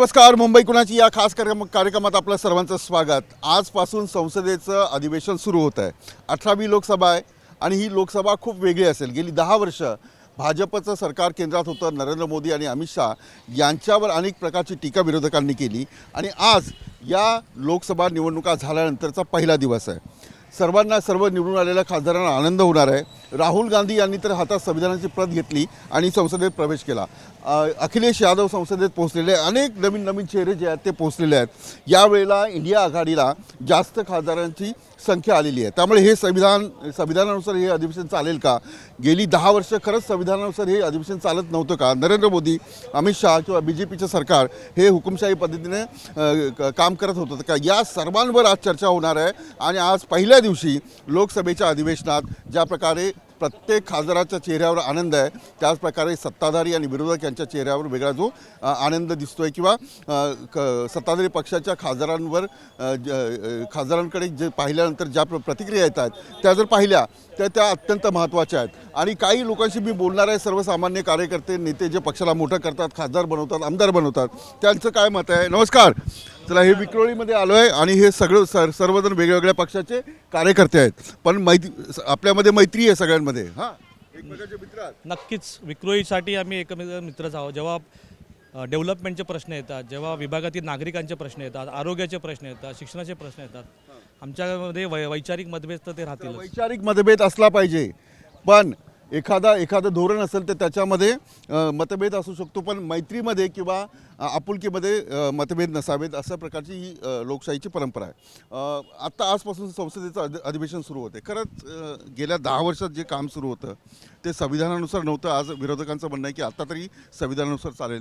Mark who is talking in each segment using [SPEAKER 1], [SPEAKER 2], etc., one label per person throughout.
[SPEAKER 1] नमस्कार. मुंबई कुणाची या खास कार्यक्रमात आपलं सर्वांचं स्वागत. आजपासून संसदेचं अधिवेशन सुरू होत आहे. 18वी लोकसभा आहे आणि ही लोकसभा खूप वेगळी असेल. गेली 10 वर्ष भाजपचं सरकार केंद्रात होतं. नरेंद्र मोदी आणि अमित शाह यांच्यावर अनेक प्रकारची टीका विरोधकांनी केली आणि आज या लोकसभा निवडणुका झाल्यानंतरचा पहिला दिवस आहे. सर्व निवडून आलेल्या खासदारांना आनंद होणार आहे. राहुल गांधी यांनी तर हातात संविधानाची प्रत घेतली आणि संसदेत प्रवेश केला. अखिलेश यादव संसदेत पोहोचलेले, अनेक नवीन चेहरे जे आहेत ते पोहोचलेले आहेत. यावेळेला इंडिया आघाडीला जास्त खासदारांची संख्या आलेली आहे. त्यामुळे हे संविधानानुसार हे अधिवेशन चालेल का? गेली 10 वर्ष खरंच संविधानानुसार हे अधिवेशन चालत नव्हतं का? नरेंद्र मोदी, अमित शाह किंवा BJPचं सरकार हे हुकुमशाही पद्धतीने काम करत होतं का? या सर्वांवर आज चर्चा होणार आहे. आणि आज पहिल्या दिवशी लोकसभेच्या अधिवेशनात ज्या प्रकारे प्रत्येक खासदाराच्या चेहऱ्यावर आनंद आहे, त्याचप्रकारे सत्ताधारी आणि विरोधक यांच्या चेहऱ्यावर वेगळा जो आनंद दिसतोय किंवा सत्ताधारी पक्षाच्या खासदारांकडे जे पाहिल्यानंतर ज्या प्रतिक्रिया येतात त्या जर पाहिल्या तर त्या अत्यंत महत्त्वाच्या आहेत. आणि काही लोकांशी मी बोलणार आहे, सर्वसामान्य कार्यकर्ते, नेते जे पक्षाला मोठं करतात, खासदार बनवतात, आमदार बनवतात, त्यांचं काय मत आहे. नमस्कार. चला, हे विक्रोळीमध्ये आलो आहे आणि हे सर्वजण वेगवेगळ्या पक्षाचे कार्यकर्ते आहेत, पण आपल्यामध्ये मैत्री आहे सगळ्यांमध्ये. हां, एकमेकांचे मित्र आहेत.
[SPEAKER 2] नक्कीच विक्रोळीसाठी आम्ही एकमेक मित्रच आहोत. जेव्हा डेव्हलपमेंटचे प्रश्न येतात, जेव्हा विभागातील नागरिकांचे प्रश्न येतात, आरोग्याचे प्रश्न येतात, शिक्षणाचे प्रश्न येतात, आमच्यामध्ये वैचारिक मतभेद तर ते राहतील.
[SPEAKER 1] वैचारिक मतभेद असला पाहिजे, पण एखादं धोरण असेल तर त्याच्यामध्ये मतभेद असू शकतो, पण मैत्रीमध्ये किंवा आपुलकीमध्ये मतभेद नसावेत, अशा प्रकारची ही लोकशाहीची परंपरा आहे. आत्ता आजपासून संसदेचं अधिवेशन सुरू होते. खरंच गेल्या 10 वर्षात जे काम सुरू होतं ते संविधानानुसार नव्हतं. आज विरोधकांचं म्हणणं आहे की आत्ता तरी संविधानानुसार चालेल.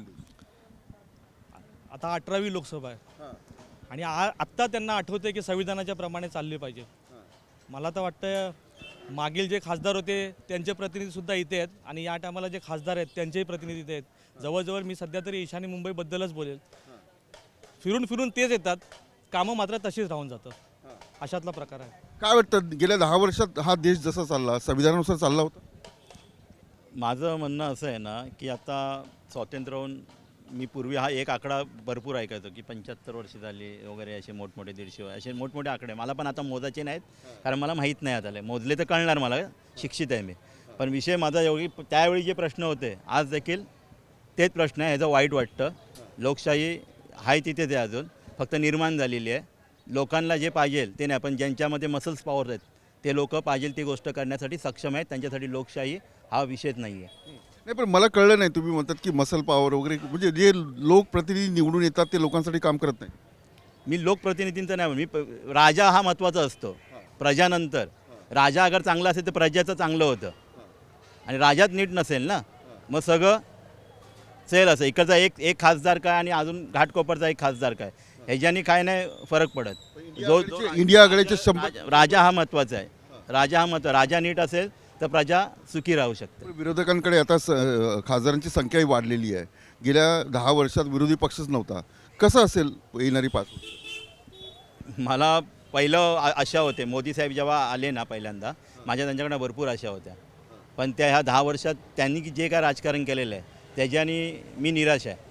[SPEAKER 2] आता 18वी लोकसभा आहे आणि आत्ता त्यांना आठवते की संविधानाच्या प्रमाणे चालले पाहिजे. मला तर वाटतं मागील जे खासदार होते त्यांचे प्रतिनिधीसुद्धा इथे आहेत आणि या टायमाला जे खासदार आहेत त्यांचेही प्रतिनिधी इथे आहेत. जवळजवळ मी सध्या तरी ईशान्य मुंबईबद्दलच बोलेल. फिरून तेच येतात, कामं मात्र तशीच राहून जातं. अशातला प्रकार आहे.
[SPEAKER 1] काय वाटतं, गेल्या 10 वर्षात हा देश जसा चालला संविधानानुसार चालला होता?
[SPEAKER 3] माझं म्हणणं असं आहे ना की आता स्वातंत्र्य होऊन मी पूर्वी हा एक आकडा भरपूर ऐकायचो की 75 वर्ष झाली वगैरे, असे मोठमोठे 150 असे मोठमोठे आकडे मला पण आता मोजायचे नाहीत, कारण मला माहीत नाही आता. मोजले तर कळणार, मला शिक्षित आहे मी. पण विषय माझा एवढी, त्यावेळी जे प्रश्न होते आज देखील तेच प्रश्न आहे. ह्याचं वाईट वाटतं. लोकशाही आहे तिथेच आहे, अजून फक्त निर्माण झालेली आहे. लोकांना जे पाहिजे ते नाही, पण ज्यांच्यामध्ये मसल्स पॉवर आहेत ते लोक पाहिजे ती गोष्ट करण्यासाठी सक्षम आहेत. त्यांच्यासाठी लोकशाही हा विषयच नाही आहे.
[SPEAKER 1] नाही, पण मला कळलं नाही, तुम्ही म्हणतात की मसल पॉवर वगैरे, म्हणजे जे लोकप्रतिनिधी निवडून येतात ते लोकांसाठी काम करत नाही.
[SPEAKER 3] मी लोकप्रतिनिधींचं नाही, मी राजा हा महत्त्वाचा असतो. प्रजानंतर राजा अगर चांगला असेल तर प्रजाचं चांगलं होतं, आणि राजाच नीट नसेल ना मग सगळं सेल असं. इकडचा एक खासदार काय आणि अजून घाटकोपरचा एक खासदार काय, ह्याच्यानी काय नाही फरक पडत. जो
[SPEAKER 1] इंडिया आघाडीचे
[SPEAKER 3] राजा हा महत्त्वाचा आहे. राजा नीट असेल तर प्रजा सुखी राहू शकते.
[SPEAKER 1] विरोधकांकडे आता खासदारांची संख्याही वाढलेली आहे. गेल्या 10 वर्षात विरोधी पक्षच नव्हता. कसं असेल येणारी 5 वर्ष?
[SPEAKER 3] मला पहिलं आशा होते, मोदी साहेब जेव्हा आले ना पहिल्यांदा, माझ्या त्यांच्याकडे भरपूर आशा होत्या. पण त्या ह्या 10 वर्षात त्यांनी जे काय राजकारण केलेलं आहे त्याच्याने मी निराश आहे.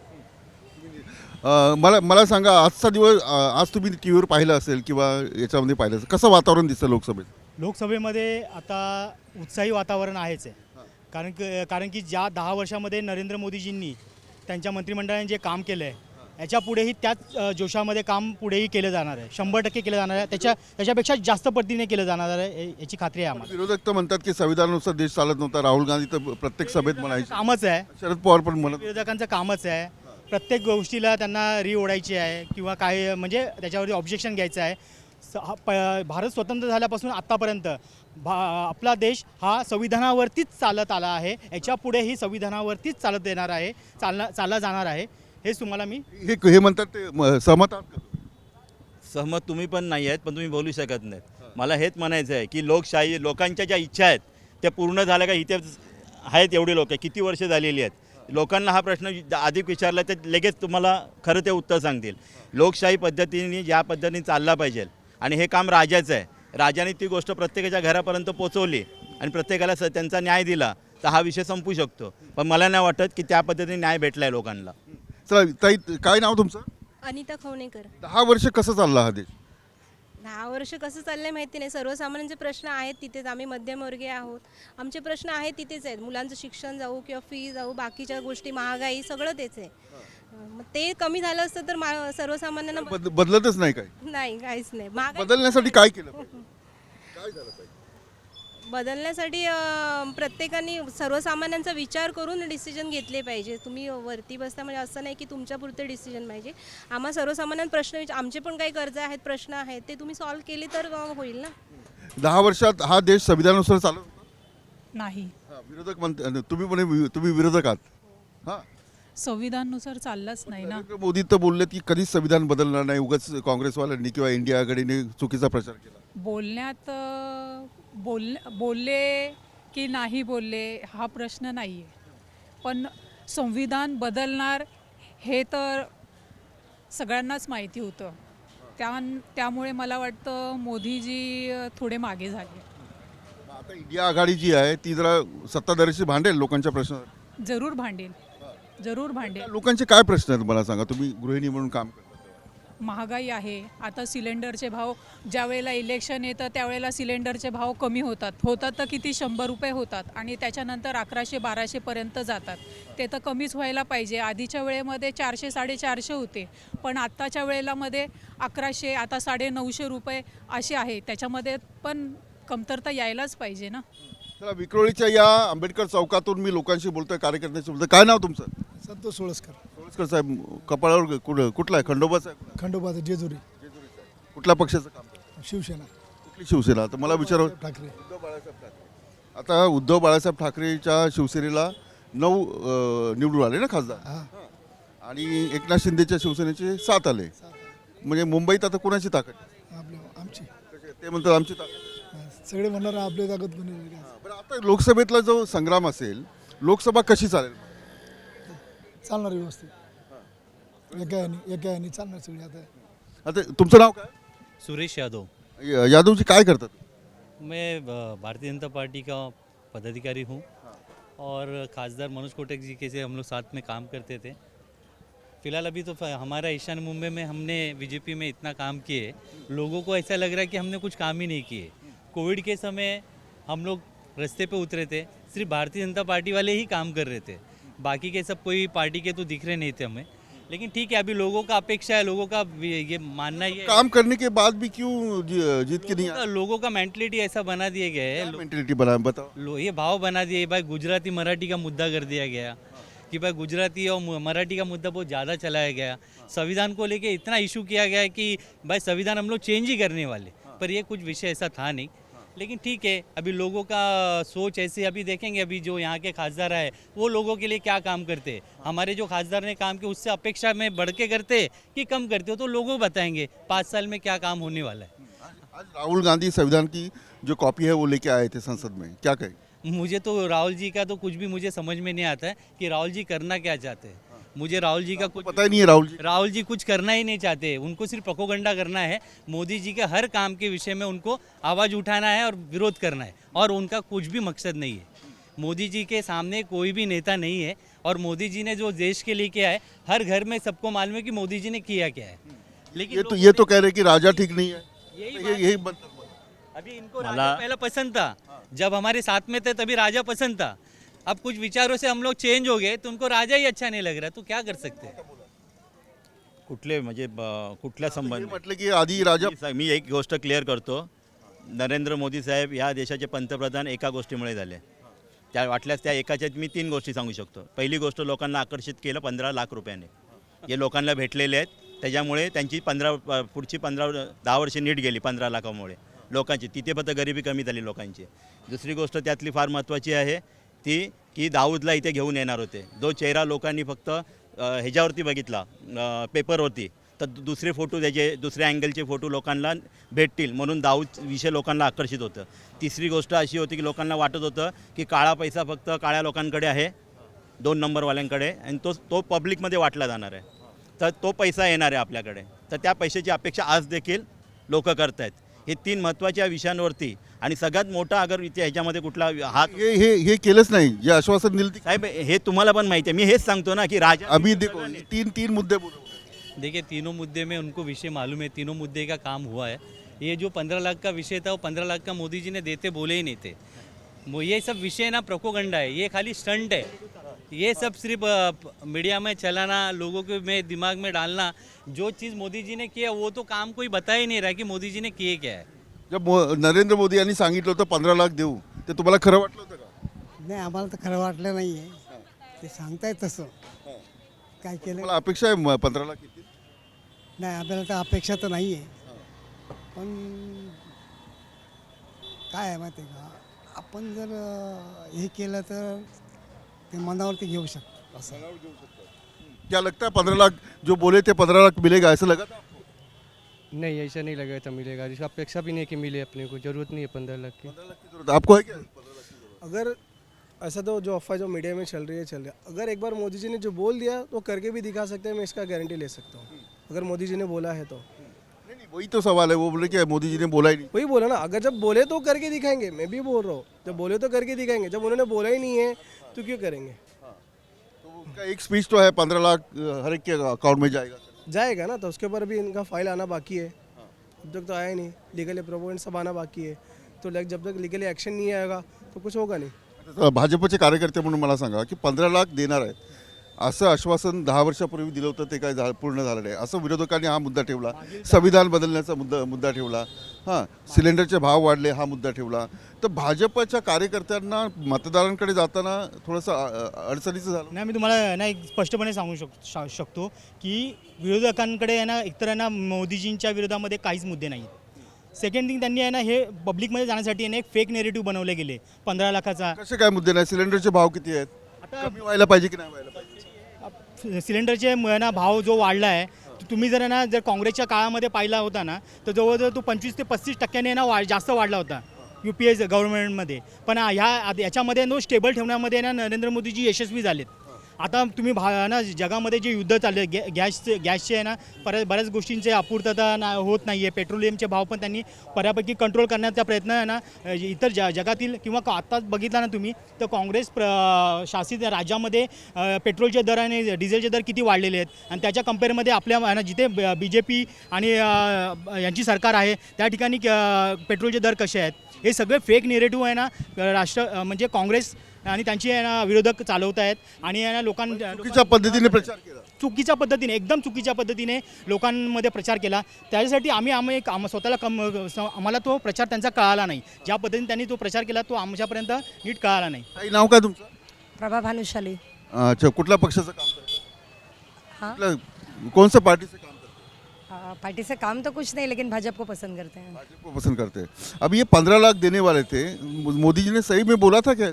[SPEAKER 1] मला सांगा, आजचा दिवस, आज तुम्ही टी व्हीवर पाहिलं असेल किंवा याच्यामध्ये पाहिलं असेल, कसं वातावरण दिसतं लोकसभेत?
[SPEAKER 4] लोकसभेमध्ये आता उत्साही वातावरण आहेच आहे. कारण की ज्या 10 वर्षामध्ये नरेंद्र मोदीजींनी त्यांच्या मंत्रिमंडळाने जे काम केलं आहे याच्यापुढेही त्याच जोशामध्ये काम पुढेही केलं जाणार आहे. 100% केलं जाणार आहे. त्याच्यापेक्षा जास्त पद्धतीने केलं जाणार आहे याची खात्री आहे आम्हाला.
[SPEAKER 1] विरोधक तर म्हणतात की संविधानानुसार देश चालत नव्हता. राहुल गांधी तर प्रत्येक सभेत म्हणायचे.
[SPEAKER 4] कामच आहे,
[SPEAKER 1] शरद पवार पण म्हणत.
[SPEAKER 4] विरोधकांचं कामच आहे. प्रत्येक गोष्टीला त्यांना ओढायची आहे किंवा काय, म्हणजे त्याच्यावरती ऑब्जेक्शन घ्यायचं आहे. भारत स्वतंत्र झाल्यापासून आत्तापर्यंत आपला देश हा संविधानावरतीच चालत आला आहे. याच्या पुढेही संविधानावरतीच चालत येणार आहे, चालला जाणार आहे. हेच तुम्हाला मी
[SPEAKER 1] हे म्हणतात, ते सहमत आहात का?
[SPEAKER 3] सहमत तुम्ही पण नाही आहेत, पण तुम्ही बोलू शकत नाहीत. मला हेच म्हणायचं आहे की लोकशाही, लोकांच्या ज्या इच्छा आहेत त्या पूर्ण झाल्या का? इथे आहेत एवढे लोक, किती वर्ष झालेली आहेत. लोकांना हा प्रश्न अधिक विचारला तर लगेच तुम्हाला खरं ते उत्तर सांगतील. लोकशाही पद्धतीने ज्या पद्धतीने चालला पाहिजे, आणि हे काम राजाचं आहे. राजाने ती गोष्ट प्रत्येकाच्या घरापर्यंत पोचवली आणि प्रत्येकाला त्यांचा न्याय दिला तर हा विषय संपू शकतो. पण मला नाही वाटत की त्या पद्धतीने न्याय भेटला आहे लोकांना.
[SPEAKER 1] चला ताई, काय नाव तुमचं?
[SPEAKER 5] अनिता खवणेकर.
[SPEAKER 1] 10 वर्ष कसं चालला हा देश?
[SPEAKER 5] 10 वर्ष कसं चाललंय माहिती नाही. सर्वसामान्यांचे प्रश्न आहेत तिथेच. आम्ही मध्यमवर्गीय आहोत. आमचे प्रश्न आहेत तिथेच आहेत. मुलांचं शिक्षण जाऊ किंवा फी जाऊ, बाकीच्या गोष्टी, महागाई, सगळं तेच आहे. मग ते कमी झालं असतं तर सर्वसामान्यांना
[SPEAKER 1] बदलतच नाही काय?
[SPEAKER 5] नाही, काहीच नाही. महागाई
[SPEAKER 1] बदलण्यासाठी काय केलं पाहिजे? काय झालं पाहिजे?
[SPEAKER 5] बदलण्यासाठी प्रत्येकाने सर्वसामान्यांचा विचार करून डिसिजन घेतले पाहिजे. तुम्ही वरती बसता म्हणजे असं नाही की तुमच्यापुरते डिसिजन पाहिजे. आम्हा सर्वसामान्य प्रश्न, आमचे पण काही कर्ज आहेत, प्रश्न आहेत, ते तुम्ही सॉल्व्ह केले तर होईल ना.
[SPEAKER 1] 10 वर्षात हा देश संविधानानुसार चालत होता?
[SPEAKER 6] नाही.
[SPEAKER 1] विरोधक म्हणते, तुम्ही विरोधक आहात. हां,
[SPEAKER 6] संविधानानुसार चाललाच नाही ना.
[SPEAKER 1] नरेंद्र मोदी तर बोलले की कधीच संविधान बदलणार नाही, उगाच काँग्रेसवाल्यांनी किंवा इंडिया आघाडीने चुकीचा प्रचार केला.
[SPEAKER 6] बोलण्यात बोलले की नाही बोलले हा प्रश्न नाही आहे, पण संविधान बदलणार हे तर सगळ्यांनाच माहिती होतं. त्यामुळे मला वाटतं मोदीजी थोडे मागे झाले.
[SPEAKER 1] आता इंडिया आघाडी जी आहे ती जरा सत्ताधारीशी भांडेल लोकांच्या प्रश्नावर.
[SPEAKER 6] जरूर भांडेल, जरूर भांडेल.
[SPEAKER 1] लोकांचे काय प्रश्न आहेत मला सांगा, तुम्ही गृहिणी म्हणून काम करता.
[SPEAKER 6] महागाई आहे. आता सिलेंडरचे भाव, ज्या वेळेला इलेक्शन येतं त्यावेळेला सिलेंडरचे भाव कमी होतात तर किती 100 रुपये होतात आणि त्याच्यानंतर 1100-1200 पर्यंत जातात. ते तर कमीच व्हायला पाहिजे. आधीच्या वेळेमध्ये 400-450 होते, पण आत्ताच्या वेळेला मध्ये 1100, आता 950 रुपये असे आहे. त्याच्यामध्ये पण कमतरता यायलाच पाहिजे ना.
[SPEAKER 1] चला, विक्रोळीच्या या आंबेडकर चौकातून मी लोकांशी बोलतोय, कार्यकर्त्यांशी बोलतोय. काय नाव तुमचं?
[SPEAKER 7] संतोष सोळसकर.
[SPEAKER 1] सोळसकर साहेब, कपाळावर कुठला आहे? खंडोबाचा आहे?
[SPEAKER 7] खंडोबाचा जेजुरी.
[SPEAKER 1] कुठल्या पक्षाचं काम करता?
[SPEAKER 7] शिवसेना.
[SPEAKER 1] कुठली शिवसेना? तर मला विचार,
[SPEAKER 7] ठाकरे.
[SPEAKER 1] आता उद्धव बाळासाहेब ठाकरेच्या शिवसेनेला 9 निवडून आले ना खासदार,
[SPEAKER 7] हा.
[SPEAKER 1] आणि एकनाथ शिंदेच्या शिवसेनेचे 7 आले. म्हणजे मुंबईत आता कोणाची ताकद आहे?
[SPEAKER 7] आमची.
[SPEAKER 1] ते म्हणतात आमची ताकद.
[SPEAKER 7] सगळे म्हणणार आपली ताकद कोणी.
[SPEAKER 1] बरं, आता लोकसभेतला जो संग्राम असेल, लोकसभा कशी चालेल?
[SPEAKER 7] चालणार व्यवस्थित. एका याने चालणार सगळे.
[SPEAKER 1] आता तुमचं नाव काय?
[SPEAKER 2] सुरेश यादव.
[SPEAKER 1] यादवजी काय करतात?
[SPEAKER 2] मैं भारतीय जनता पार्टी का पदाधिकारी हूँ और खासदार मनोज कोटक जी के से हम लोग साथ में काम करते थे. फिलहाल अभी तो हमारा ईशान मुंबई में हमने बीजेपी में इतना काम किए, लोगों को ऐसा लग रहा है कि हमने कुछ काम ही नहीं किए. कोविड के समय हम लोग रास्ते पे उतरे थे, सिर्फ भारतीय जनता पार्टी वाले ही काम कर रहे थे, बाकी के सब कोई पार्टी के तो दिख रहे नहीं थे हमें. लेकिन ठीक है, अभी लोगों का अपेक्षा है, लोगों का ये मानना ये
[SPEAKER 1] काम करने के बाद भी क्यों जीत के नहीं आए?
[SPEAKER 2] लोगों का मेंटलिटी ऐसा बना दिया गया है.
[SPEAKER 1] मेंटेलिटी बना, बताओ.
[SPEAKER 2] ये भाव बना दिए भाई, गुजराती मराठी का मुद्दा कर दिया गया कि भाई गुजराती और मराठी का मुद्दा बहुत ज़्यादा चलाया गया. संविधान को लेके इतना इशू किया गया है कि भाई संविधान हम लोग चेंज ही करने वाले, पर ये कुछ विषय ऐसा था नहीं. लेकिन ठीक है, अभी लोगों का सोच ऐसे, अभी देखेंगे अभी जो यहाँ के खासदार आए वो लोगों के लिए क्या काम करते हैं. हमारे जो खासदार ने काम किया उससे अपेक्षा में बढ़ के करते कि कम करते हो, तो लोगों बताएंगे 5 साल में क्या काम होने वाला है.
[SPEAKER 1] आज राहुल गांधी संविधान की जो कॉपी है वो लेके आए थे संसद में, क्या कहें?
[SPEAKER 2] मुझे तो राहुल जी का तो कुछ भी मुझे समझ में नहीं आता है कि राहुल जी करना क्या चाहते हैं. मुझे राहुल जी का कुछ
[SPEAKER 1] पता ही नहीं है. राहुल जी
[SPEAKER 2] कुछ करना ही नहीं चाहते. उनको सिर्फ प्रोपोगंडा करना है. मोदी जी के हर काम के विषय में उनको आवाज़ उठाना है और विरोध करना है, और उनका कुछ भी मकसद नहीं है. मोदी जी के सामने कोई भी नेता नहीं है, और मोदी जी ने जो देश के लिए किया है, हर घर में सबको मालूम है कि मोदी जी ने किया क्या है. लेकिन
[SPEAKER 1] ये तो कह रहे कि राजा ठीक नहीं है. यही
[SPEAKER 2] अभी इनको राजा पहले पसंद था, जब हमारे साथ में थे तभी राजा पसंद था. अब कुछ विचारों से हम लोग चेंज हो गए तो उनको राजा ही अच्छा नहीं लग रहा, तो क्या कर सकते हैं.
[SPEAKER 3] कुठले म्हणजे कुठल्या संबंध.
[SPEAKER 1] म्हटलं की आधी राजा.
[SPEAKER 3] मी एक गोष्ट क्लिअर करतो. नरेंद्र मोदी साहेब या देशाचे पंतप्रधान एका गोष्टीमुळे झाले. त्या वाटल्यास त्या एकाच्यात मी 3 गोष्टी सांगू शकतो. पहिली गोष्ट, लोकांना आकर्षित केलं 15 लाख रुपयाने, जे लोकांना भेटलेले आहेत. त्याच्यामुळे त्यांची पुढची 10 वर्षे नीट गेली 15 लाखामुळे लोकांची. तिथे फक्त गरिबी कमी झाली लोकांची. दुसरी गोष्ट त्यातली फार महत्त्वाची आहे ती की दाऊदला इथे घेऊन येणार होते. जो चेहरा लोकांनी फक्त ह्याच्यावरती बघितला, पेपरवरती, तर दुसरे फोटो त्याचे, दुसऱ्या अँगलचे फोटो लोकांना भेटतील म्हणून दाऊद विषय लोकांना आकर्षित होतं. तिसरी गोष्ट अशी होती की लोकांना वाटत होतं की काळा पैसा फक्त काळ्या लोकांकडे आहे, 2 नंबरवाल्यांकडे, आणि तो पब्लिकमध्ये वाटला जाणार आहे. तर तो पैसा येणार आहे आपल्याकडे, तर त्या पैशाची अपेक्षा आज देखील लोक करत आहेत. हे 3 महत्त्वाच्या विषयांवरती आणि सगळ्यात मोठा अगर इथे ह्याच्यामध्ये कुठला हात
[SPEAKER 1] हे केलंच नाही जे आश्वासन दिलं ते.
[SPEAKER 3] साहेब हे तुम्हाला पण माहिती आहे, मी हेच सांगतो ना की राजा
[SPEAKER 1] अभी देखो तीन मुद्दे बोले.
[SPEAKER 8] देखिए तीनों मुद्दे में उनको विषय मालूम है, तीनों मुद्दे का काम हुआ है। ये जो 15 लाख का विषय था वो 15 लाख का मोदी जी ने देते बोले ही नहीं थे। ये सब विषय ना प्रोपोगंडा है, ये खाली स्टंट है। ये सब सिर्फ मीडिया में चलाना, लोगों के में दिमाग में डालना। जो चीज़ मोदी जी ने किया वो तो काम कोई बता ही नहीं रहा कि मोदी जी ने किए क्या है।
[SPEAKER 1] जब नरेंद्र मोदी यांनी सांगितलं होतं 15 लाख देऊ, ते तुम्हाला खरं वाटलं होतं का?
[SPEAKER 9] नाही आम्हाला तर खरं वाटलं नाही आहे ते सांगतायत तसं काय केलं
[SPEAKER 1] मला अपेक्षा आहे 15 लाख येतील.
[SPEAKER 9] नाही आपल्याला तर अपेक्षा तर नाही आहे पण काय आहे माहिती आहे का आपण जर हे केलं तर ते मनावरती घेऊ शकतो असं
[SPEAKER 1] क्या लगता है 15 लाख जो बोले थे 15 लाख मिलेगा ऐसा लगा था आपको?
[SPEAKER 10] नहीं ऐसा नहीं लगा था मिलेगा, जिसका अपेक्षा भी नहीं कि मिले, अपने को जरूरत नहीं है 15 लाख की।
[SPEAKER 1] 15 लाख की जरूरत है। आपको है क्या 15 लाख की जरूरत?
[SPEAKER 11] अगर ऐसा तो जो अफवाह जो मीडिया में चल रही है चल रहा है, अगर एक बार मोदी जी ने जो बोल दिया तो करके भी दिखा सकते हैं, मैं इसका गारंटी ले सकता हूँ अगर मोदी जी ने बोला है तो।
[SPEAKER 1] नहीं वही तो सवाल है, वो बोले कि मोदी जी ने बोला ही नहीं.
[SPEAKER 11] वही बोला ना, अगर जब बोले तो करके दिखाएंगे, मैं भी बोल रहा हूँ जब बोले तो करके दिखाएंगे, जब उन्होंने बोला ही नहीं है तो क्यों करेंगे।
[SPEAKER 1] तो उनका एक स्पीच तो है 15 लाख हर एक के अकाउंट में जाएगा.
[SPEAKER 11] जाएगा ना, तो उसके ऊपर भी इनका फाइल आना बाकी है, अब तक तो आया नहीं, लीगली प्रोपोगेंड सब आना बाकी है, तो जब तक लीगली एक्शन नहीं आएगा तो कुछ होगा नहीं।
[SPEAKER 1] आता भाजपचे कार्यकर्ते म्हणून मला सांगा की 15 लाख देणार आहेत असं आश्वासन 10 वर्षापूर्वी दिलं होतं, ते काय पूर्ण झालं नाही असं विरोधकांनी हा मुद्दा ठेवला. संविधान बदलण्याचा मुद्दा ठेवला. हां, सिलेंडरचे भाव वाढले हा मुद्दा ठेवला. तर भाजपच्या कार्यकर्त्यांना मतदारांकडे जाताना थोडंसं अडचणीचं झालं.
[SPEAKER 4] नाही मी तुम्हाला ना एक स्पष्टपणे सांगू शकतो की विरोधकांकडे आहे ना एकतर आहे ना मोदीजींच्या विरोधामध्ये काहीच मुद्दे नाही आहेत. सेकंड थिंग त्यांनी आहे ना हे पब्लिकमध्ये जाण्यासाठी आहे ना एक फेक नेरेटिव्ह बनवले गेले 15 लाखाचा.
[SPEAKER 1] कसे काय मुद्दे नाही? सिलेंडरचे भाव किती आहेत? कमी व्हायला पाहिजे की नाही व्हायला पाहिजे?
[SPEAKER 4] सिलेंडरचे ना भाव जो वाढला आहे तुम्ही जर ना जर काँग्रेसच्या काळामध्ये पाहिला होता ना तर जवळजवळ तो 25 ते 35% ना जास्त वाढला होता UPA गव्हर्नमेंटमध्ये. पण याच्यामध्ये नो स्टेबल ठेवण्यामध्ये ना नरेंद्र मोदीजी यशस्वी झालेत. आता तुम्ही ना जगामध्ये जे युद्ध चालले गॅसचे आहे ना बऱ्याच गोष्टींचे अपूर्तता होत नाही आहे. पेट्रोलियमचे भाव पण त्यांनी बऱ्यापैकी कंट्रोल करण्याचा प्रयत्न आहे ना इतर जगातील किंवा आत्ताच बघितला ना तुम्ही तर काँग्रेस शासित राज्यामध्ये पेट्रोलचे दर आणि डिझेलचे दर किती वाढलेले आहेत आणि त्याच्या कम्पेअरमध्ये आपल्या जिथे BJP आणि यांची सरकार आहे त्या ठिकाणी पेट्रोलचे दर कसे आहेत. हे सगळे फेक नेरेटिव्ह आहे ना म्हणजे काँग्रेस आणि त्यांची विरोधक चालवत आहेत आणि
[SPEAKER 1] चुकीच्या पद्धतीने प्रचार केला.
[SPEAKER 4] चुकीच्या पद्धतीने एकदम चुकीच्या पद्धतीने लोकांमध्ये प्रचार केला. त्याच्यासाठी आम्ही स्वतःला आम्हाला तो प्रचार त्यांचा कळाला नाही. ज्या पद्धतीने त्यांनी तो प्रचार केला तो आमच्यापर्यंत नीट कळाला नाही.
[SPEAKER 1] काही नाव काय तुमचं?
[SPEAKER 9] प्रभा भानुशाली.
[SPEAKER 1] अच्छा, कुठल्या पक्षाचं काम करता?
[SPEAKER 9] हाँ
[SPEAKER 1] कुठल्या कौन सा पार्टी से काम करता?
[SPEAKER 9] पार्टी से काम तो कुछ नहीं लेकिन भाजपा को पसंद करते हैं।
[SPEAKER 1] भाजपा को पसंद करते हैं. अब ये 15 लाख देने वाले थे, मोदी जी ने सही में बोला था क्या?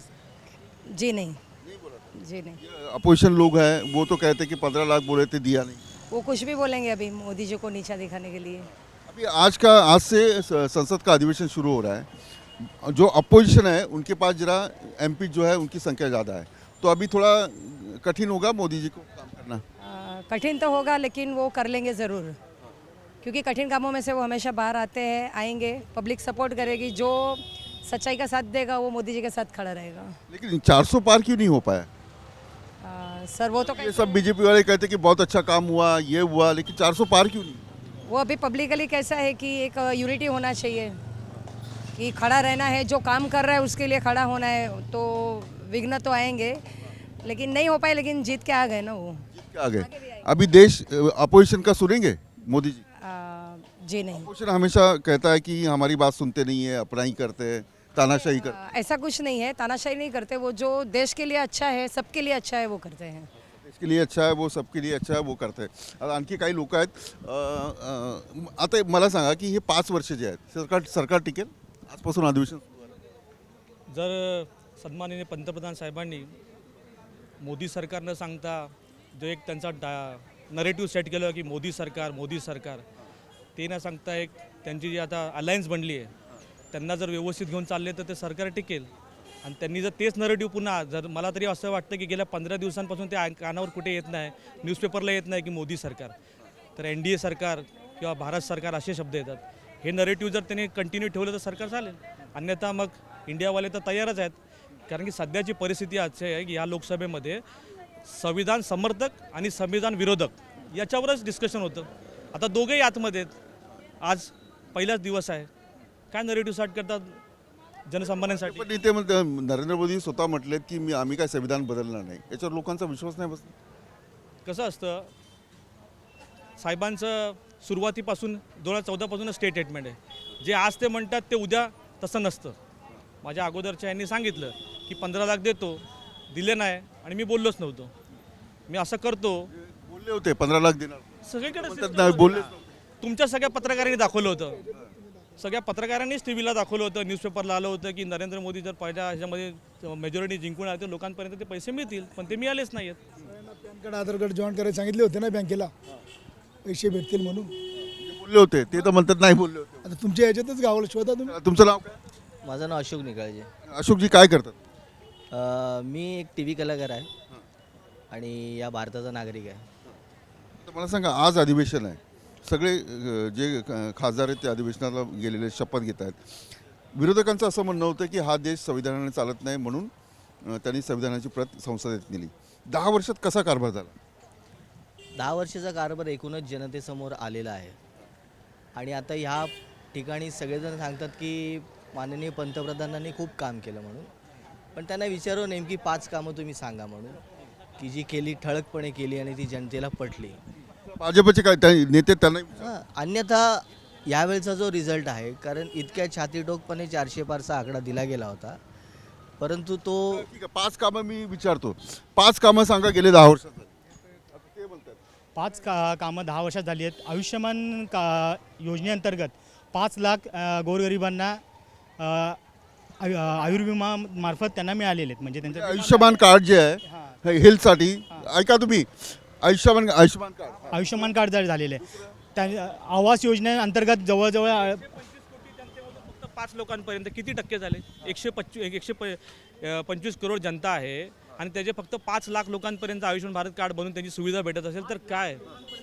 [SPEAKER 9] जी नहीं जी नहीं,
[SPEAKER 1] अपोजिशन लोग हैं वो तो कहते कि 15 लाख बोले थे, दिया नहीं.
[SPEAKER 9] वो कुछ भी बोलेंगे अभी मोदी जी को नीचा दिखाने के लिए।
[SPEAKER 1] अभी आज से संसद का अधिवेशन शुरू हो रहा है. जो अपोजिशन है उनके पास जरा MP जो है उनकी संख्या ज़्यादा है, तो अभी थोड़ा कठिन होगा मोदी जी को काम करना.
[SPEAKER 9] कठिन तो होगा लेकिन वो कर लेंगे ज़रूर, क्योंकि कठिन कामों में से वो हमेशा बाहर आते हैं, आएंगे, पब्लिक सपोर्ट करेगी, जो सच्चाई का साथ देगा वो मोदी जी के साथ खड़ा रहेगा।
[SPEAKER 1] लेकिन 400 पार क्यों नहीं हो पाया?
[SPEAKER 9] सर वो तो
[SPEAKER 1] ये सब BJP वाले कहते कि बहुत अच्छा काम हुआ, ये हुआ, लेकिन 400 पार क्यों नहीं?
[SPEAKER 9] वो अभी पब्लिकली कैसा है कि एक यूनिटी होना चाहिए कि खड़ा रहना है, जो काम कर रहा है उसके लिए खड़ा होना है, तो विघ्न तो आएंगे लेकिन नहीं हो पाए, लेकिन जीत के आ गए ना वो।
[SPEAKER 1] जीत के आ गए. अभी देश अपोजिशन का सुनेंगे मोदी जी?
[SPEAKER 9] जी नहीं,
[SPEAKER 1] अपोजिशन हमेशा कहता है कि हमारी बात सुनते नहीं है, अपना ही करते हैं, तानाशाही करते.
[SPEAKER 9] ऐसा कुछ नहीं है, तानाशाही नहीं करते, वो जो देश के लिए अच्छा है, सबके लिए अच्छा है वो करते हैं।
[SPEAKER 1] इसके लिए अच्छा है वो, सबके लिए अच्छा है वो करते हैं. आता आणखी काही लोक आहेत. आता मला सांगा की हे 5 वर्ष जे आहेत सरकार टिकेल? आजपासून अधिवेशन सुरू झालं.
[SPEAKER 2] जर सन्माननीय पंतप्रधान साहेबांनी मोदी सरकार न सांगता जो एक त्यांचा नरेटिव्ह सेट केलं की मोदी सरकार ते न सांगता एक त्यांची जी आता अलायन्स बनली आहे त्यांना जर व्यवस्थित घेऊन चालले तर ते सरकार टिकेल. आणि त्यांनी जर तेच नरेटिव्ह पुन्हा जर मला तरी असं वाटतं की गेल्या 15 दिवसांपासून ते कानावर कुठे येत नाही, न्यूजपेपरला येत नाही की मोदी सरकार, तर NDA सरकार किंवा भारत सरकार असे शब्द येतात. हे नरेटिव्ह जर त्यांनी कंटिन्यू ठेवलं तर सरकार चालेल. अन्यथा मग इंडियावाले तर तयारच आहेत, कारण की सध्याची परिस्थिती अशी आहे की या लोकसभेमध्ये संविधान समर्थक आणि संविधान विरोधक याच्यावरच डिस्कशन होतं. आता दोघेही आतमध्ये आहेत. आज पहिलाच दिवस आहे, काय नरेटिव्ह स्टार्ट करतात जनसामान्यांसाठी.
[SPEAKER 1] पण इथे नरेंद्र मोदी स्वतः म्हटलेत की आम्ही काय संविधान बदलणार नाही. याच्यावर लोकांचा विश्वास नाही बसला.
[SPEAKER 2] कसं असतं, साहेबांचं सुरुवातीपासून 2014पासूनच स्टेटमेंट आहे. जे आज ते म्हणतात ते उद्या तसं नसतं. माझ्या अगोदरच्या यांनी सांगितलं की 15 लाख देतो, दिले नाही आणि मी बोललोच नव्हतो. मी असं करतो,
[SPEAKER 1] बोलले होते 15 लाख देणार.
[SPEAKER 2] सगळीकडे
[SPEAKER 1] म्हणतात नाही, बोललेच
[SPEAKER 2] तुमच्या सगळ्या पत्रकारांनी दाखवलं होतं, सगळ्या पत्रकारांनीच टी व्हीला दाखवलं होतं, न्यूजपेपरला आलं होतं की नरेंद्र मोदी जर पहिल्या ह्याच्यामध्ये मेजॉरिटी जिंकून आले तर लोकांपर्यंत ते पैसे मिळतील, पण ते मिळालेच नाही आहेत.
[SPEAKER 7] PAN card Aadhaar card join करायला सांगितले होते ना बँकेला, पैसे भेटतील म्हणून.
[SPEAKER 1] बोलले होते ते तर म्हणतात नाही बोलले होते.
[SPEAKER 7] आता तुमच्या ह्याच्यातच गावाला शोधा तुम्ही.
[SPEAKER 1] तुमचं नाव काय?
[SPEAKER 12] माझं नाव अशोक निकाळजे.
[SPEAKER 1] अशोकजी काय करतात?
[SPEAKER 12] मी एक टी व्ही कलाकार आहे आणि या भारताचा नागरिक आहे.
[SPEAKER 1] तर मला सांगा, आज अधिवेशन आहे, सगळे जे खासदार आहेत ते अधिवेशनाला गेलेले शपथ घेत आहेत. विरोधकांचं असं म्हणणं होतं की हा देश संविधानाने चालत नाही, म्हणून त्यांनी संविधानाची प्रत संसदेत नेली. 10 वर्षात कसा कारभार झाला?
[SPEAKER 12] 10 वर्षाचा कारभार एकूणच जनतेसमोर आलेला आहे आणि आता ह्या ठिकाणी सगळेजण सांगतात की माननीय पंतप्रधानांनी खूप काम केलं म्हणून, पण त्यांना विचारू नेमकी 5 कामं तुम्ही सांगा म्हणून, की जी केली ठळकपणे केली आणि ती जनतेला पटली.
[SPEAKER 1] भाजपचे काय नेते त्यांना
[SPEAKER 12] अन्यथा यावेळचा जो रिझल्ट आहे, कारण इतक्या छातीटोकपणे 400 पारचा आकडा दिला गेला होता, परंतु तो
[SPEAKER 1] ठीक आहे. 5 कामं मी विचारतो, 5 कामं सांगा गेले 10 वर्षात. ते बोलतात
[SPEAKER 4] 5 कामं 10 वर्षात झाली आहेत. आयुष्यमान योजनेअंतर्गत 5 लाख गोरगरिबांना आयुर्विमा मार्फत त्यांना मिळालेले आहेत. म्हणजे त्यांचं
[SPEAKER 1] आयुष्यमान कार्ड जे आहे हेल्थसाठी, ऐका तुम्ही, आयुष्यमान कार्ड
[SPEAKER 4] आयुष्यमान कार्ड झालेले आहे. त्या आवास योजनेअंतर्गत जवळजवळ
[SPEAKER 2] 5 लोकांपर्यंत किती टक्के झाले? 125 करोड जनता आहे आणि त्याचे फक्त 5 लाख लोकांपर्यंत आयुष्यमान भारत कार्ड बनवून त्यांची सुविधा भेटत असेल तर काय?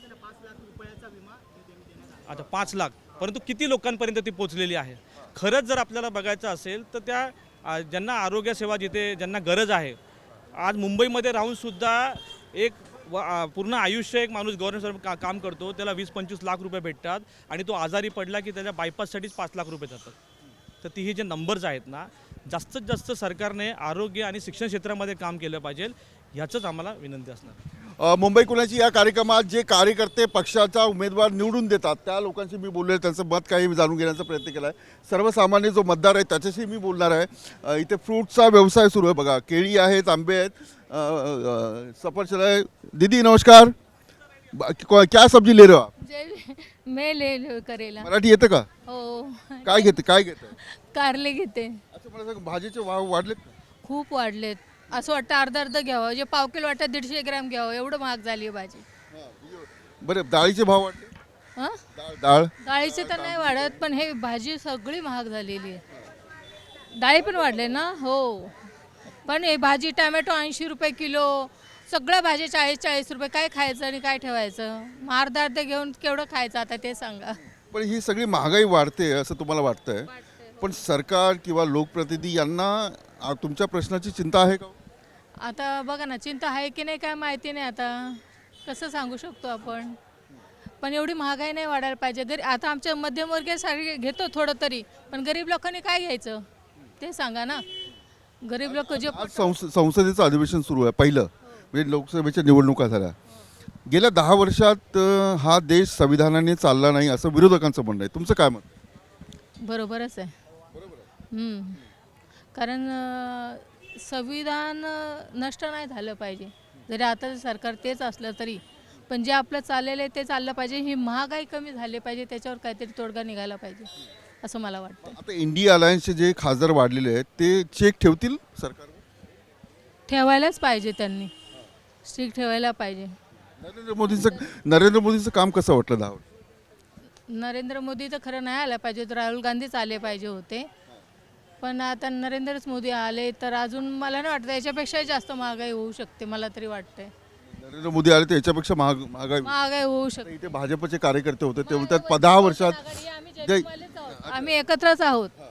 [SPEAKER 2] आता 5 लाख, परंतु किती लोकांपर्यंत ती पोहोचलेली आहे? खरंच जर आपल्याला बघायचं असेल तर त्या ज्यांना आरोग्य सेवा जिथे ज्यांना गरज आहे, आज मुंबईमध्ये राहूनसुद्धा एक पूर्ण आयुष्य एक माणूस गव्हर्नमेंट काम करतो, त्याला 20-25 लाख रुपये भेटतात आणि तो आजारी पडला की त्याच्या बायपाससाठीच 5 लाख रुपये जातात. तर ती हे जे नंबर्स आहेत ना, जास्तीत जास्त सरकारने आरोग्य आणि शिक्षण क्षेत्रामध्ये काम केलं पाहिजे, ह्याचंच आम्हाला विनंती असणार.
[SPEAKER 1] मुंबई कुणाची या कार्यक्रमात जे कार्यकर्ते पक्षाचा उमेदवार निवडून देतात त्या लोकांशी मी बोललो आहे, त्यांचं मत काही जाणून घेण्याचा प्रयत्न केला आहे. सर्वसामान्य जो मतदार आहे त्याच्याशी मी बोलणार आहे. इथे फ्रूटचा व्यवसाय सुरू आहे बघा, केळी आहेत, आंबे आहेत, सफरचंद आहे. दीदी नमस्कार, क्या सब्जी ले रहे हो आप?
[SPEAKER 6] मैं ले करेला.
[SPEAKER 1] मराठी येतं का?
[SPEAKER 6] हो,
[SPEAKER 1] काय घेते
[SPEAKER 6] कारले घेते.
[SPEAKER 1] अच्छा, मला सांग, भाजीचे भाव वाढलेत का?
[SPEAKER 6] खूप वाढलेत. असं वाटतं अर्धा घ्यावं, जे पाव किलो वाटतं 150 ग्रॅम घ्यावं, एवढं महाग झाली भाजी.
[SPEAKER 1] बरं, डाळीचे भाव वाढले?
[SPEAKER 6] हां,
[SPEAKER 1] डाळ
[SPEAKER 6] डाळीचे तर नाही वाढत, पण हे भाजी सगळी महाग झालेली आहे. डाळी पण वाढले ना. हो, पण हे भाजी टॅमॅटो 80 रुपये किलो, सगळ्या भाज्या 40-40 रुपये. काय खायचं आणि काय ठेवायचं? मग अर्धे घेऊन केवढं खायचं आता ते सांगा.
[SPEAKER 1] पण ही सगळी महागाई वाढते असं तुम्हाला वाटतंय, पण सरकार किंवा लोकप्रतिनिधी यांना तुमच्या प्रश्नाची चिंता आहे का?
[SPEAKER 6] आता बघा ना, चिंता आहे की नाही काय माहिती नाही, आता कसं सांगू शकतो आपण. पण एवढी महागाई नाही वाढायला पाहिजे. आता आमच्या मध्यमवर्गीय घेतो थोडं तरी, पण गरीब लोकांनी काय घ्यायचं ते सांगा ना. गरीब लोक जे
[SPEAKER 1] आज संसदेचं अधिवेशन सुरू आहे, पहिलं म्हणजे लोकसभेच्या निवडणुका झाल्या. गेल्या 10 वर्षात हा देश संविधानाने चालला नाही असं विरोधकांचं म्हणणं आहे. तुमचं काय मत?
[SPEAKER 6] बरोबरच आहे. कारण संविधान नष्ट नाही झालं पाहिजे, जरी आता सरकार तेच असलं तरी, पण जे आपलं चाललेलं आहे ते चाललं पाहिजे. ही महागाई कमी झाली पाहिजे, त्याच्यावर काहीतरी तोडगा निघाला पाहिजे असं मला वाटतं.
[SPEAKER 1] आता इंडिया अलायन्सचे जे खासदार वाढलेले आहेत ते चेक ठेवतील सरकार?
[SPEAKER 6] ठेवायलाच पाहिजे, त्यांनी स्ट्रिक्ट ठेवायला पाहिजे.
[SPEAKER 1] नरेंद्र मोदींचं काम कसं वाटलं 10 वर्ष?
[SPEAKER 6] नरेंद्र मोदी तर खरं नाही आलं पाहिजे, तर राहुल गांधीच आले पाहिजे होते, पण आता नरेंद्रच मोदी आले तर अजून मला नाही वाटतं, याच्यापेक्षाही जास्त महागाई होऊ शकते, मला तरी वाटतंय.
[SPEAKER 1] नरेंद्र मोदी आले तर याच्यापेक्षा महागाई
[SPEAKER 6] होऊ शकते.
[SPEAKER 1] इथे भाजपचे कार्यकर्ते होते ते बोलतात 10 वर्षात
[SPEAKER 6] आम्ही एकत्रच आहोत.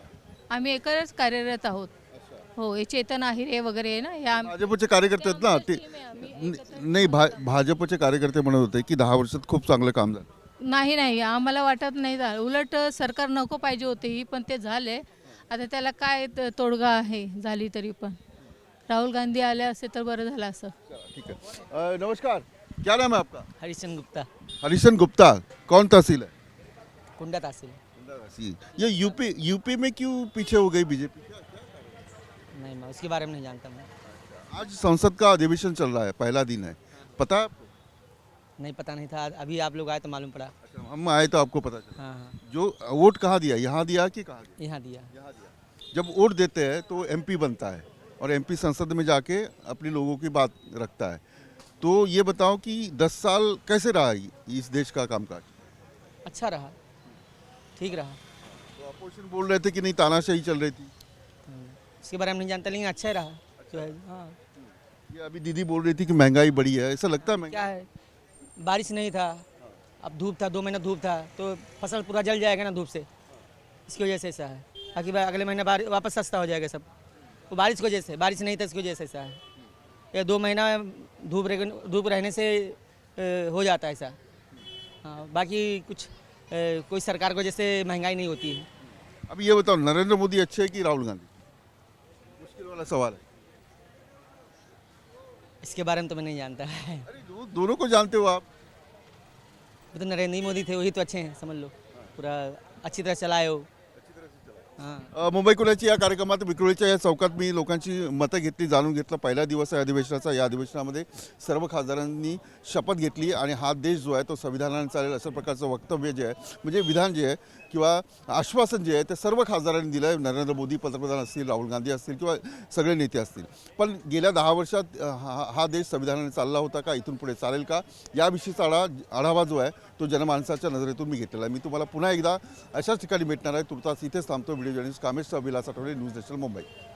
[SPEAKER 6] आम्ही एकच कार्यरत आहोत. हो, हे चेतन आहिरे वगैरे आहे ना, या
[SPEAKER 1] भाजपचे कार्यकर्ते आहेत ना ते नाही भाजपचे कार्यकर्ते म्हणत होते की 10 वर्षात खूप चांगलं काम झालं.
[SPEAKER 6] नाही आम्हाला वाटत नाही झालं. उलट सरकार नको पाहिजे होते ही, पण ते झाले. आता त्याला काय तोडगा आहे झाली तरी पण. राहुल गांधी आले असते तर बरं झालं असं.
[SPEAKER 1] ठीक है नमस्कार, क्या नाम है आपका?
[SPEAKER 12] हरिशन गुप्ता,
[SPEAKER 1] हरिशन गुप्ता, कौन तहसील है?
[SPEAKER 12] कुंडा तहसील.
[SPEAKER 1] ये यूपी में क्यों पीछे हो गई बीजेपी?
[SPEAKER 12] नहीं, मैं उसके बारे में नहीं जानता मैं.
[SPEAKER 1] आज संसद का अधिवेशन चल रहा है, पहला दिन है, पता है आपको?
[SPEAKER 12] नहीं, पता नहीं था, अभी आप लोग आए तो मालूम पड़ा.
[SPEAKER 1] अच्छा, हम आए तो आपको पता चला.
[SPEAKER 12] हाँ,
[SPEAKER 1] जो वोट कहाँ दिया, यहाँ दिया कि कहाँ दिया?
[SPEAKER 12] यहाँ दिया.
[SPEAKER 1] जब वोट देते हैं तो एमपी बनता है और एमपी संसद में जाके अपने लोगों की बात रखता है. तो ये बताओ कि 10 साल कैसे रहा इस देश का कामकाज?
[SPEAKER 12] अच्छा रहा, ठीक रहा.
[SPEAKER 1] तो अपोजिशन बोल रहे थे कि नहीं तानाशाही चल रही थी.
[SPEAKER 12] उसके बारे में नहीं जानता, लेकिन अच्छा ही रहा जो है. हाँ,
[SPEAKER 1] ये अभी दीदी बोल रही थी कि महंगाई बढ़ी है, ऐसा लगता है महंगाई?
[SPEAKER 12] क्या है, बारिश नहीं था, अब धूप था, 2 महीना धूप था, तो फसल पूरा जल जाएगा ना धूप से, इसकी वजह से ऐसा है. बाकी अगले महीने वापस सस्ता हो जाएगा सब. वो बारिश की वजह से, बारिश नहीं था इसकी वजह से ऐसा है. ये 2 महीना धूप रहने से हो जाता है ऐसा. हाँ, बाकी कुछ कोई सरकार की वजह से महंगाई नहीं होती है.
[SPEAKER 1] अब ये बताओ नरेंद्र मोदी अच्छे है कि राहुल गांधी? मुश्किल वाला सवाल है.
[SPEAKER 12] इसके बारे में तो मैं नहीं जानता है.
[SPEAKER 1] अरे दोनों को जानते हो आप.
[SPEAKER 12] वो तो नरेंद्र मोदी थे, वही तो अच्छे हैं समझ लो, पूरा अच्छी तरह चलाए हो. हां.
[SPEAKER 1] मुंबई कुणाची या कार्यक्रमात विक्रोळीच्या या चौकात मी लोकांची मतं घेतली, जाणून घेतलं. पहिला दिवस आहे अधिवेशनाचा. या अधिवेशनामध्ये सर्व खासदारांनी शपथ घेतली आणि हा देश जो आहे तो संविधानाने चालेल अशा प्रकारचं वक्तव्य जे आहे, म्हणजे विधान जे आहे किंवा आश्वासन जे आहे ते सर्व खासदारांनी दिलं आहे. नरेंद्र मोदी पंतप्रधान असतील, राहुल गांधी असतील किंवा सगळे नेते असतील. पण गेल्या 10 वर्षात हा देश संविधानाने चालला होता का, इथून पुढे चालेल का, याविषयीचा आढावा जो आहे तो जनमानसाच्या नजरेतून मी घेतलेला आहे. मी तुम्हाला पुन्हा एकदा अशाच ठिकाणी भेटणार आहे. तुर्तास इथेच थांबतो. व्हिडिओ जर्नलिस्ट कामेश विलास आठवडे, न्यूज नॅशनल, मुंबई.